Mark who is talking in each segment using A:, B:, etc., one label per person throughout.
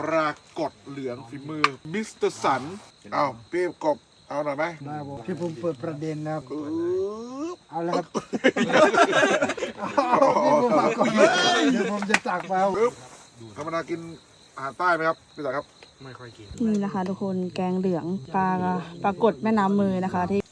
A: รากฏเหลืองฝีมือมิสเตอร์สันเอาพี่กบเอาหน่อยไหม
B: ได้ผมที่ผมเปิดประเด็นนะครับ เอาแล้วครับพี่ผมฝากก่อนเดี๋ยวผมจะตักไปครับ
A: ธรรมดากินอาหารใต้ไหมครับพี่สายครับ
C: ไม่ค่อยกิน
D: นี่นะคะทุกคนแกงเหลืองปลากดแม่น้ำมือนะคะที่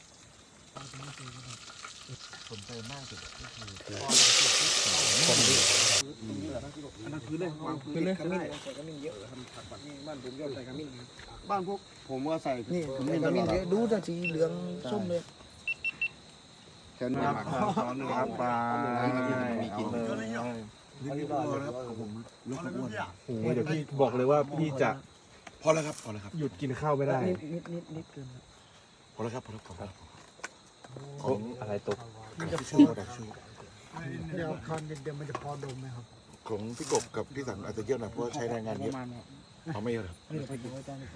B: บ้านพวกผมว่าใส่นี่ผมมีขมิ้นเยอะดูแต่สีเหลืองส้มเลยเชิญครับซ้อนครับปลามีกินเลยนี่พอแล้วครับผมลดความอ้วน
C: โอ้โหเดี๋ยวพี่บอกเลยว่าพี่จะ
A: พอแล้วครับพอแล้วครับ
C: หยุดกินข้าวไม่ได้
B: นิดเกิน
A: พอแล้วครับพอแล้วพอแล้ว
C: โอ้อะไรตก
A: กระดาษทิชชู่กระดาษทิชชู่
B: เดี๋ยวคอนเดี๋ยวมันจะพอดมไหมครับ
A: ของพี่กบกับพี่สันอาจจะเยอะหน่อยเพราะว่าใช้แรงงานเยอะเขาไม่เยอะหรอก
B: นี่ไปกินไว้จานนี้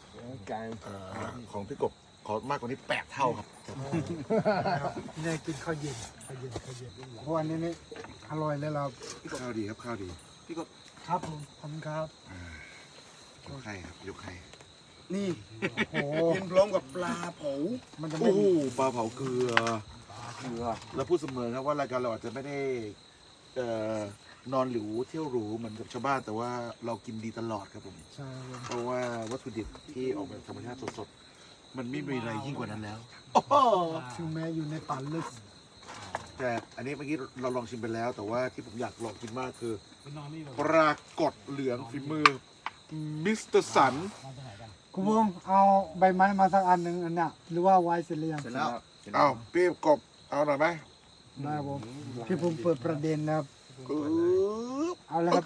A: ของพี่กบขอมากกว่านี้8 เท่าครับ
B: นี่กินข้าวเย็นเพราะวันนี้นี่อร่อยเลยเรา
A: ข้าวดีครับข้าวดี
B: ครับผมขอบคุณครับ
A: ยกให้ครับยกให้
B: นี่โอ้โห
A: กินพร้อมกับปลาเผา
B: มันจะไม่
A: โอ้โหปลาเผาเกลือเราพูดเสมอครับว่ารายการเราอาจจะไม่ได้นอนหรูเที่ยวหรูเหมือนกับชาวบ้านแต่ว่าเรากินดีตลอดครับผม
B: ใช่ครับ
A: เพราะว่าวัตถุดิบที่ออกมาจากธรรมชาติสดๆมันไม่มีอะไรยิ่งกว่านั้นแล้ว
B: ถึงแม้อยู่ในป่าลึก
A: แต่อันนี้เมื่อกี้เราลองชิมไปแล้ว แต่ว่าที่ผมอยากลองกินมากคือปรากฏเหลืองฝีมือมิสเตอร์สัน
B: คุณพงษ์เอาใบไม้มาสักอันหนึ่งอันเนี้ยหรือว่าไว้เสร็จหรือยัง
A: เอาพี่กบเอาหน่อยไหม
B: ได้ผมที่ผมเปิดประเด็นนะครับ เอาแล้วครับ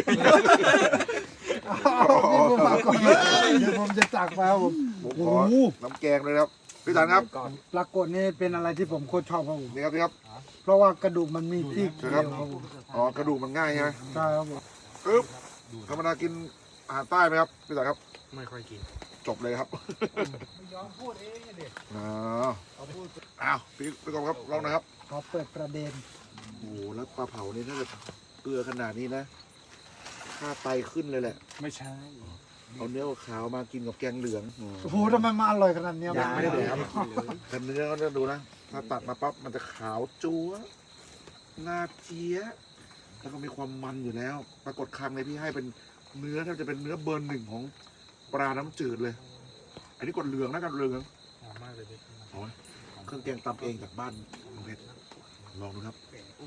B: พี่ผมฝากก่อนเดี๋ยวผมจะตักไปครับผม
A: ผมขอน้ำแกงเลยครับพี่สันครับ
B: ปรากฏนี่เป็นอะไรที่ผมโคตรชอบครับผม
A: นี่ครับนี่ครับ
B: เพราะว่ากระดูกมันมีที่เกี่ยวครับผม
A: อ๋อกระดูกมันง่ายใช่ไหม
B: ใช่ครับผม
A: ปึ๊บธรรมดากินอาหารใต้ไหมครับพี่สันครับ
C: ไม่ค่อยกิน
A: จบเลยครับ
B: ยอมพูดเองเด็ก
A: อ้าวพี่กบครับลองนะครับ
B: ขอเปิดประเด็น
A: โอ้โหแล้วปลาเผานี่ถ้าเกิดเกลือขนาดนี้นะค่าไตขึ้นเลยแหละ
C: ไม่ใช่
A: เอาเนื้อขาวมากินกับแกงเหลือง
B: โอ้โหทำไมมาอร่อยขนาดเนี้ย
A: ยังไม่ได้เลยครับแต่เนื้อก็จะดูนะถ้าตัดมาปั๊บมันจะขาวจั๊วหน้าเจี๊ยะแล้วก็มีความมันอยู่แล้ว ปรากฏครั้งในพี่ให้เป็นเนื้อแทบจะเป็นเนื้อเบอร์1ของปลาน้ำจืดเลย อันนี้กดเหลืองนะกันเหลือง
C: หอมมากเลยพี่
A: โอ้ยเครื่องแกงตำเองจากบ้านลุงเพชรลองดูครับ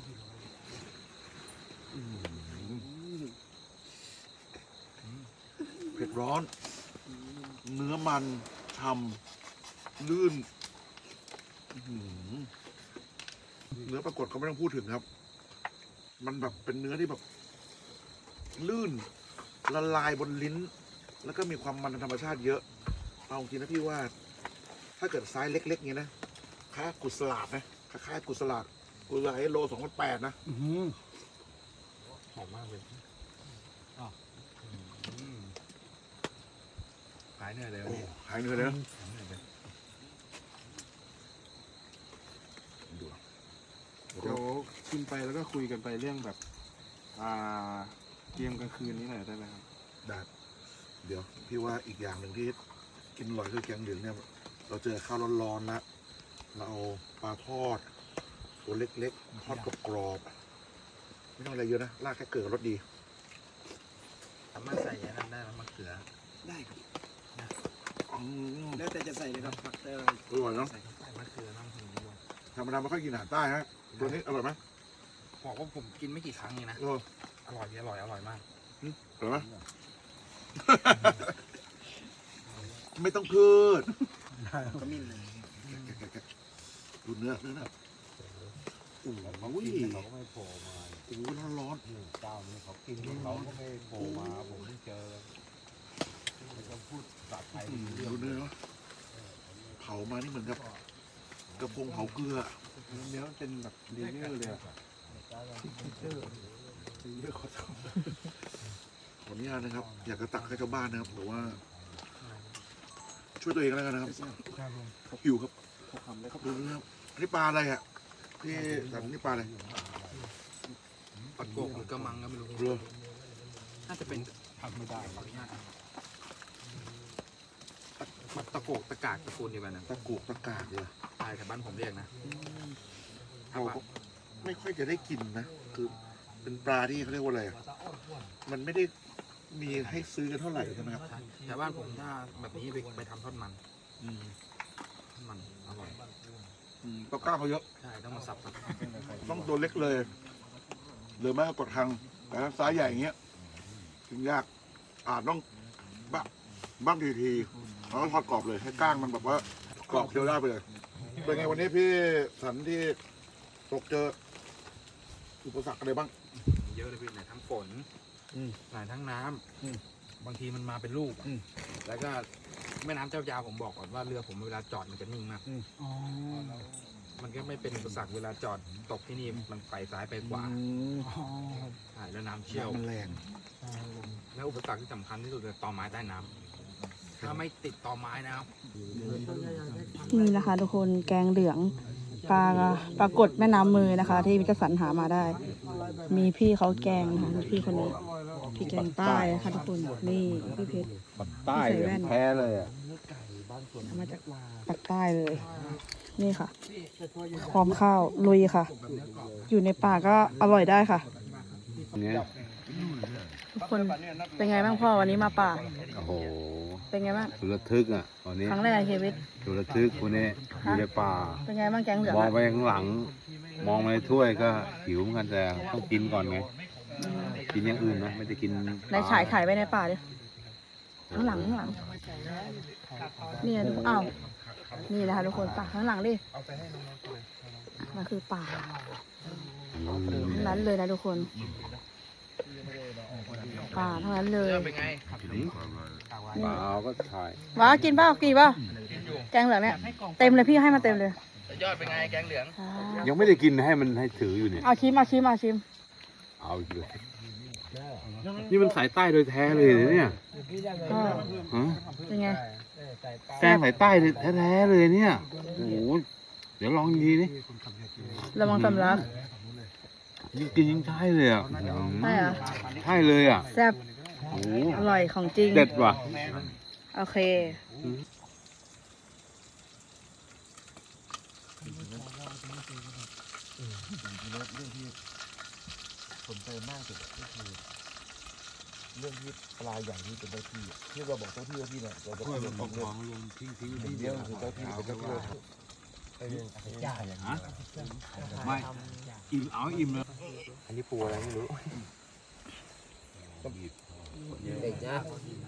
A: อืมเผ็ดร้อน เนื้อมันฉ่ำลื่นอื้อหือเนื้อปรากฏก็ไม่ต้องพูดถึงครับ มันแบบเป็นเนื้อที่แบบ ลื่นละลายบนลิ้น แล้วก็มีความมันธรรมชาติเยอะเอาจริงนะพี่ว่า ถ้าเกิดไซส์เล็กๆเงี้ยนะค่ากุศลาดนะค่ากุศลาดโล2,800นะ
B: อื้อหือ
C: หอมมากเลยหายเหนื่อยเลย
A: โอ้หายเหนื่อยเลยนะดู
E: เดี๋ยวกินไปแล้วก็คุยกันไปเรื่องแบบเกมกลางคืนนี้หน่อยได้ไหมครับ
A: ได้เดี๋ยวพี่ว่าอีกอย่างหนึ่งที่กินอร่อยคือแกงเหลืองเนี่ย เราเจอข้าวร้อนๆแล้วเราเอาปลาทอดตัวเล็กๆทอดกรอบๆไม่ต้องอะไรเยอะนะราดแค่เกลือรสดี
C: สามารถใส่อันนั้นได้ไหมมะเขือ
B: ได้ครับ
A: อืม
B: แล้วแต่จะใส่เลยครับผักได้อะไร
A: อร่อยเนาะ
C: ใส่มะเขือน้ำผึ้งด้วย
A: ธรรมดาไม่ค่อยกินอาหารใต้ฮะตัวนี้อร่อยไหม
C: บอกว่าผมกินไม่กี่ครั้งเองนะ
A: เออ
C: อร่อยมาก
A: อร่อยไหม ไม่ต้องพูด
B: ขมิ้นเลย
A: ดูเนื้อโอ้โห
F: เขาก็ไม่โผล่มา
A: โอ้โหร้อน
F: เจ้านี้เขากินเขาก็ไม่โผล่มาผมเพิ่งเจอไม่ต้องพูดภาษาไทย
A: ๆดูเนื้อเผามานี่เหมือนกับกระพงเผาเกลือ
E: เนื้อมันเป็นแบบเลเยอร์เลยอะ
A: ขออนุญาตนะครับ อยากจะตักให้ชาวบ้านนะครับแต่ว่า ช่วยตัวเองแล้วกันนะครับ
B: ครับผม
A: หิวครับดูเนื้ออันนี้ปลาอะไรอ่ะพี่สันนี่ปลาอะไร
C: ปลาโกกหรือกระมังก็ไม่รู้
A: เรือ
C: น่าจะเป็น
F: ำไม่ได้
C: ขออนุญาตตะโกกตะกากตระกูลเดียวกันนะ
A: ตะกุกตะกากเลย
C: ใช่แต่บ้านผมเรียกนะถ้า
A: เรา
C: ว่า
A: ก็ไม่ค่อยจะได้กินนะ คือเป็นปลาที่เขาเรียกว่าอะไรอะมันไม่ได้มีให้ซื้อกันเท่าไหร่ใช่ไหมครับ
C: ใช่แต่บ้านผมถ้าแบบนี้ไปทำทอดมันทอดมันอร่อย
A: ปลาก้างเขาเยอะ
C: ใช่ต้องมาสับ
A: ต้องตัวเล็กเลย หรือไม่ก็กดทางแต่ถ้าไซส์ใหญ่อย่างเงี้ยกินยากอาจต้องบ้างทีแล้วก็ทอดกรอบเลยให้ก้างมันแบบว่ากรอบเคี้ยวได้ไปเลย เป็นไงวันนี้พี่สันที่ตกเจออุปสรรคอะไรบ้าง
C: เยอะเลยพี่ไหนทั้งฝนไหนทั้งน้ำบางทีมันมาเป็นลูกแล้วก็แม่น้ำเจ้าพระยาผมบอกก่อนว่าเรือผมเวลาจอดมันจะนิ่งมากมันก็ไม่เป็นอุปสรรคเวลาจอดตกที่นี่มันไปซ้ายไปขวาใช่แล้วน้ำเชี่ยว
A: มันแรง
C: แล้วอุปสรรคที่สำคัญที่สุดคือตอไม้ใต้น้ำถ้าไม่ติดตอไม้นะครับ
D: นี่นะคะ ทุกคนแกงเหลืองปลากดแม่น้ำมือนะคะ ที่มิตรสันหามาได้ มีพี่เขาแกงนะคะพี่คนนี้พี่แกงใต้นะคะทุกคนนี่พี่เพชร
F: ใต้แพ้เลยอ่ะ
D: เอามาจากปากใต้เลย นี่ค่ะพร้อมข้าวลุยค่ะ อยู่ในป่าก็อร่อยได้ค่ะ
F: เนี่ย
D: ทุกคนเป็นไงบ้างพ่อวันนี้มาป่า
F: โอ้โห
D: เป็นไงบ้าง
F: สุดระทึกอ่ะวันนี้
D: ครั้งแรกในชีวิต
F: สุดระทึกคนนี้อยู่ในป่า
D: เป็นไงบ้างแกงเหลือง
F: มอง
D: อะ
F: ไปข้างหลัง มองไปในถ้วยก็หิวเหมือนกันแต่ต้องกินก่อนไง กินอย่างอื่นนะไม่ได้กิน
D: ในฉายไข่ไปในป่าดิข้างหลังนี่นะทุกคนอ้าวนี่นะคะทุกคนป่าข้างหลังดิมันคือป่าทั้งนั้นเลยนะทุกคนป่าทั้งนั้นเลย
C: เป็นไง
F: เปล่าก็ถ่าย
D: ว้ากินเปล่าแกงเหลืองเนี่ยเต็มเลยพี่ให้มาเต็มเลย
C: ยอดเป็นไงแกงเหลือง
F: ยังไม่ได้กินให้มันให้ถืออยู่เนี่ย
D: เอาชิม
F: เอาอีกเลยนี่มันสายใต้โดยแท้เลยเนี่ย
D: ก็
F: ฮะ
D: เป็นไง
F: แกงสายใต้แท้ๆเลยเนี่ยโอ้โหเดี๋ยวลองดีนี่
D: ระวังสำลัก
F: ยิ่งกินยิ่งใช่เลยอ่ะ
D: ใช่เหรอ
F: ใช่เลยอ่ะ
D: แซ่บ
F: โอ้โห
D: อร่อยของจริง
F: เด็ดว่ะ
D: โอเค
B: สนใจมากสุดก็คือเรื่องที่ปลาอย่างนี้เป็นเจ้าที่ที่เราบอกเจ้าที่เนี่ยเราจะเรื่องของเรื่องเดียวคือเจ้าที่เป็นเจ้าที่เราทำไอ้เรื่องจ่ายอย่างนี้
F: ไม่อิ่มเอาอิ่มเลย
B: อันนี้ปูอะไรไม่รู้เด็กนะ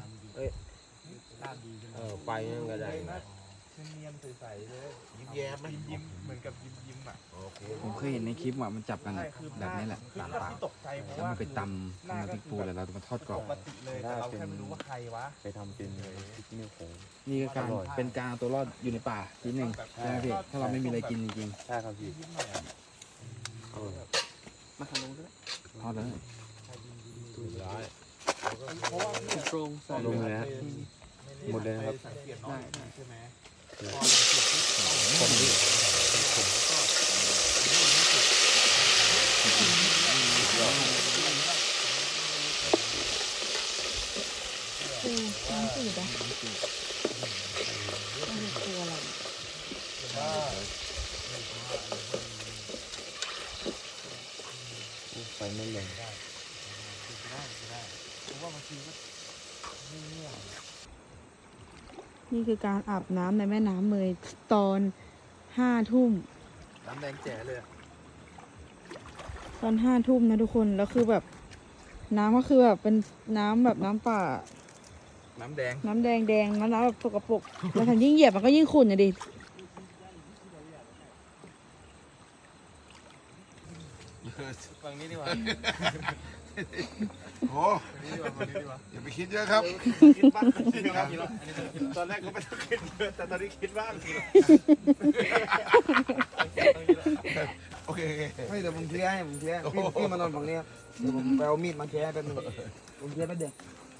B: ไปนั่นก็ได้
A: ยิ้มแย้มไหม
C: ผมเคยเห็นในคลิปว่ามันจับกันแบบนี้แหละตามป่าแล้วมันไปตำน้ำพริกปูแล้วเรามาทอดกรอบ
B: เราแค่ไม่รู้ว่าใครวะไปทำเป็นพริกนิ้วโค้ง
C: นี่ก็การเป็นการเอาตัวรอดอยู่ในป่าทีหนึ่งใช่ไหมพี่ถ้าเราไม่มีอะไรกินจริง
B: ใช่ครับพี่
C: ๆทอดเลย
B: ถูกร้อยลงเลยฮะหมดเลยนะครับ
D: คือน้ำจืดอะไม่รู้ตัวอะไร
B: ไฟไม่ลง
D: นี่คือการอาบน้ำในแม่น้ำเมยตอน5 ทุ่ม
C: น้ำแดงแจ๋เลย
D: ตอน5 ทุ่มนะทุกคน แล้วคือแบบน้ำก็คือแบบเป็นน้ำแบบน้ำป่า
C: น้ำแดง
D: น้ำแดงน้ำแบบสกปรกแล้วถ้ายิ่งเหยียบมันก็ยิ่งขุ่นอะดิ
C: ฝั่งนี้ดีกว่า
A: โอ้อย่าไปคิดเยอะครับ
E: คิดบ้างตอนแรกก็ไม่ต้องคิดเยอะแต่ตอนนี้คิดบ้าง
A: โอเค
B: ไม่เดี๋ยวผมเคลียร์ให้พี่มานอนฝั่งนี้ครับเดี๋ยวผมไปเอามีดมาแค่แป๊บนึงผมเคลียร์แป๊บเดียว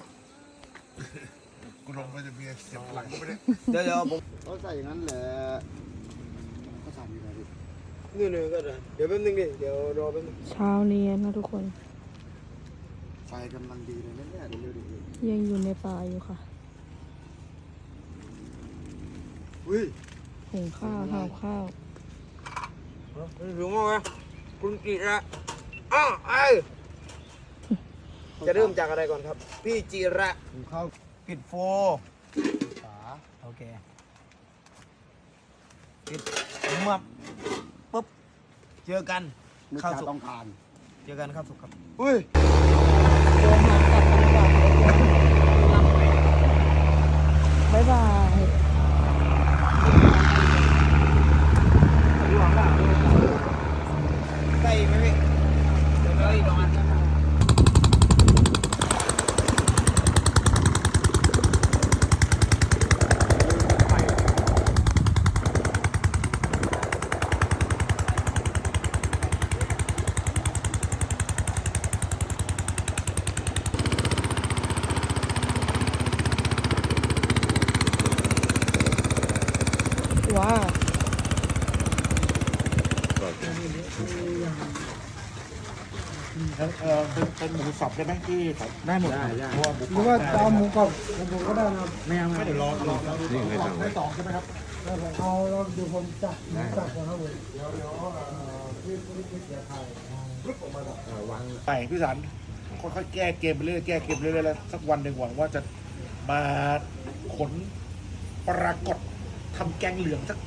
A: กูลงไปจะมีเสียบหลังกูไปเนี่ย
B: เดี๋ยวผมเขาใส่อย่างนั้นแหละเขาใส่ยังไงดินี่ก็ได้เดี๋ยวแป๊บนึงดิเดี๋ยวรอแป๊บนึง
D: เช้านี้นะทุกคน
A: ไฟ
B: กำลังดีเลยเนี่ยเดี๋ยวดูดิ
D: ยังอยู่ในป่าอยู่ค่ะ
B: อุ้ย
D: หุงข้าวห่อข้าว
C: ถึงว่าคุณจิระอ้าวไอจะเริ่มจากอะไรก่อนครับ พี่จิระ
B: หุงข้าว
C: ปิดโฟฝาโอเคปิดมับปุ๊บเจอกัน
B: นึก
C: ข้าว
B: ชา
C: สุก
B: ต้องทาน
C: เจอกันข้าวสุกครับ
B: อุ้ย
D: เดินทางกลับกันดีกว่าบ๊ายบาย
C: ใกล้ไหมพี่เดี๋ยวเลยประมาณ
D: ว้าว
A: เป็นหมูสับได้ไหมที่ครับ
C: ได้หมดได้
A: เพราะว่าหมู
B: หรือว่าจะเอาหมูกรอบผมก็ได้นะครับ
C: ไม่เอา
A: ไม่เดี๋ยวรอ
F: นี่ไม่สั่งไว้
A: ได้สองใช่ไหมครับ
B: แล้วผมเอาแล้วเดี๋ยวผมจับหมูสับก่อนครับผมเดี๋ยวพี่เสียไทย
A: ไปพี่สันค่อยๆแก้เกมไปเรื่อยแก้เกมไปเรื่อยแล้วสักวันหนึ่งหวังว่าจะมาขนปรากฏทำแกงเหลืองสัก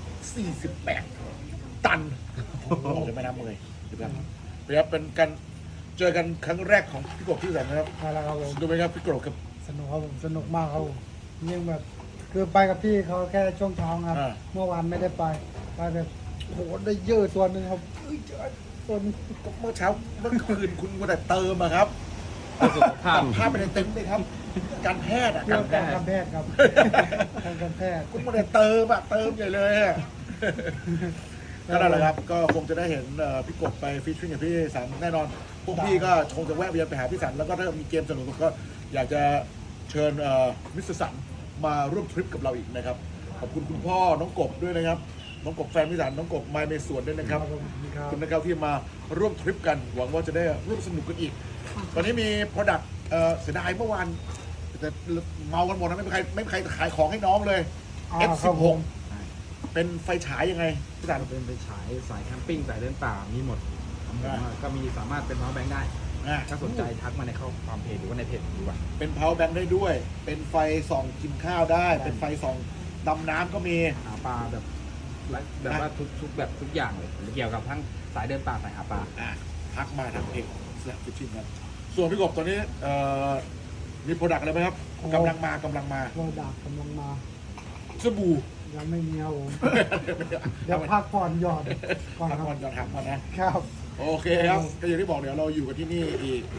A: 48 ตันโอ้โหจะไม่น้ำเลยเดี๋ยวเป็นกันเจอกันครั้งแรกของพี่กบพี่สันนะครับ
B: ใช่แล้วครับผม
A: ดูไหมครับพี่กบกับ
B: สนุกครับผมสนุกมากครับผมยิ่งแบบคือไปกับพี่เขาแค่ช่วงเช้าครับ เมื่อวานไม่ได้ไปแบบโหได้เยอะตัวหนึ่งครับเอ้ยเจอตัวนึง
A: เมื่อเช้าเมื่อคืนคุณก็แต่เติมอะครับ
C: สุขภาพ
A: ภาพไปในเต็มเลยครับ การแพทย์อะ
B: เรื่
A: กา
B: อง
A: รแพ
B: การ
A: ทย์
B: แพทย์ครับการแพทย์
A: คุณก็แต่เติมอะเติมใหญ่เลยอะก็นั่นแหละครับก็คงจะได้เห็นพี่กบไปฟิชชิ่งกับพี่สันแน่นอนพวกพี่ก็คงจะแวะเวียนไปหาพี่สันแล้วก็ถ้ามีเกมสนุกๆก็อยากจะเชิญมิสเตอร์สันมาร่วมทริปกับเราอีกนะครับขอบคุณคุณพ่อน้องกบด้วยนะครับน้องกบแฟนพี่สันน้องกบไมเมสวนด้วยนะครับ
B: ครับ
A: ขอบคุณนะครับที่มาร่วมทริปกันหวังว่าจะได้ร่วมสนุกกันอีก ตอนนี้มีโปรดักต์เสียดายเมื่อวานแต่เมากันหมดนะไม่มีใครขายของให้น้องเลย F16 เป็นไฟฉายยังไงพี่สัน
C: เป็นไปฉายสายแคมปิ้งสายเดินป่ามีหมดก็มีสามารถเป็นพาวแบงค์ได้
A: อ่ะ
C: ถ้าสนใจทักมาในข้อความเพจหรือว่าในเพจดีกว่า
A: เป็น power bank ได้ด้วย เป็นไฟส่องกินข้าวได้ เป็นไฟส่องดำน้ำก็มี
C: หาปลาแบบว่าทุกแบบทุกอย่างเลยเกี่ยวกับทั้งสายเดินป่าสายหาปลา
A: อ่ะทักมาทางเพจสลับฟิชชิ่งครับส่วนพี่กบตอนนี้มีโปรดักต์อะไรไหมครับกำลังมา
B: โปรดักต์กำลังมา
A: สบู่
B: ยังไม่มีครับผมเดี๋ยวพักผ่อนหยอดก่อน
A: พัก
B: ครับ
A: ผ่อนก่อนทักมานะ
B: ครับ
A: โอเคครับก็อย่างที่บอกเดี๋ยวเราอยู่กันที่นี่อีก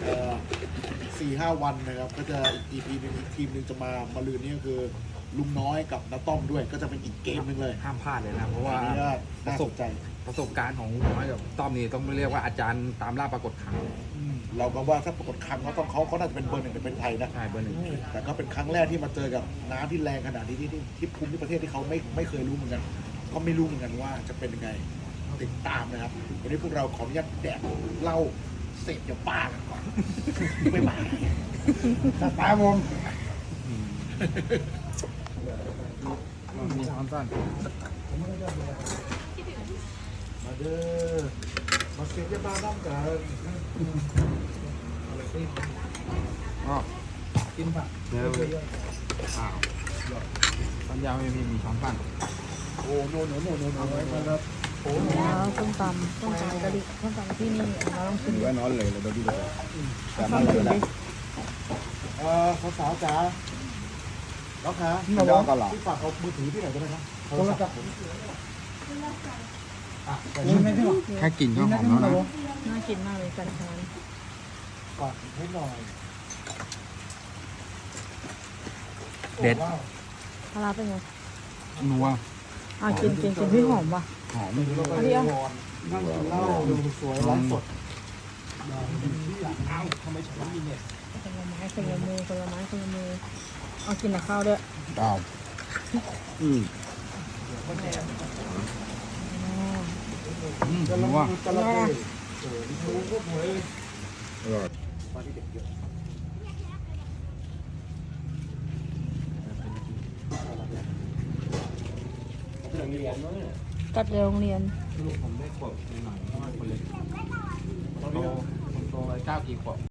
A: 4-5 วันนะครับ ก็จะอีกทีมหนึ่งจะมาลืนนี่ก็คือลุงน้อยกับน้าต้อมด้วย ก็จะเป็นอีกเกมหนึ่งเลย
C: ห้ามพลาดเลยนะเพราะว่า
A: อันนี้ก็น่าสนใจ
C: ประสบการณ์ของน้อยกับต้อมนี่ต้องเรียกว่าอาจารย์ตามล่าปรากฏครั้ง
A: เราก็ว่าถ้าปรากฏครั้งเขาน่าจะเป็นเบอร์หนึ่งเป็นไทยนะ
C: ใช่เบอร์หนึ่ง
A: แต่ก็เป็นครั้งแรกที่มาเจอกับน้ำที่แรงขนาดนี้ที่ภูมิประเทศที่เขาไม่เคยรู้เหมือนกัน ก็ไม่รู้เหมือนกันว่าจะเป็นยังไงติดตามนะครับ วันนี้พวกเราขออนุญาตแดกเหล้าเสร็จอย่าป้ากันก่อนบ๊ายบาย
B: จัดไปครับผม
C: มีช้อนสั้น
A: มาเด้อมาเก็บยาบ้าน้ำกัน
C: ก็กินผักอ้าวช้อนยาวไม่มีช้อนสั้น
A: โอ้โนไว้ครับ
D: แล้วส้มตำกะหรี่ส้มตำที่นี่เราต้องชิม
B: ว่านอนเลยเราดูเลย
D: ส้มตำชิมดิ
A: สาวๆจ๋าน้องคะ
B: ไม่ร้องกันหรอ
A: พี่ฝากเอามือถือที่ไหนก็ได้ครับ
B: โทรศัพท์นี่ไม่พี่หรอ
C: แค่กลิ่นก็หอมแล้วนะ
D: น่ากินมากเลยกันชาน
A: ก่อนให้หน่อย
C: เด็ด
D: ปลาร้าเป็นไง
C: นัว
D: กินพี่หอมว่ะ
C: หอม
D: อันนี้เอา
B: นั่งกินเหล้าดูสวยร้านสด
D: คนละไม้คนละมือเอากินกับข้าวด้วย
C: ดาวนัว
B: จะระเบิด
A: มาที่เด็กเยอะ
D: กัดในโรงเรียน
C: ลูกผมได้ขวบหน่อยเพราะว่าคนเล็กคนโต9 กี่ขวบ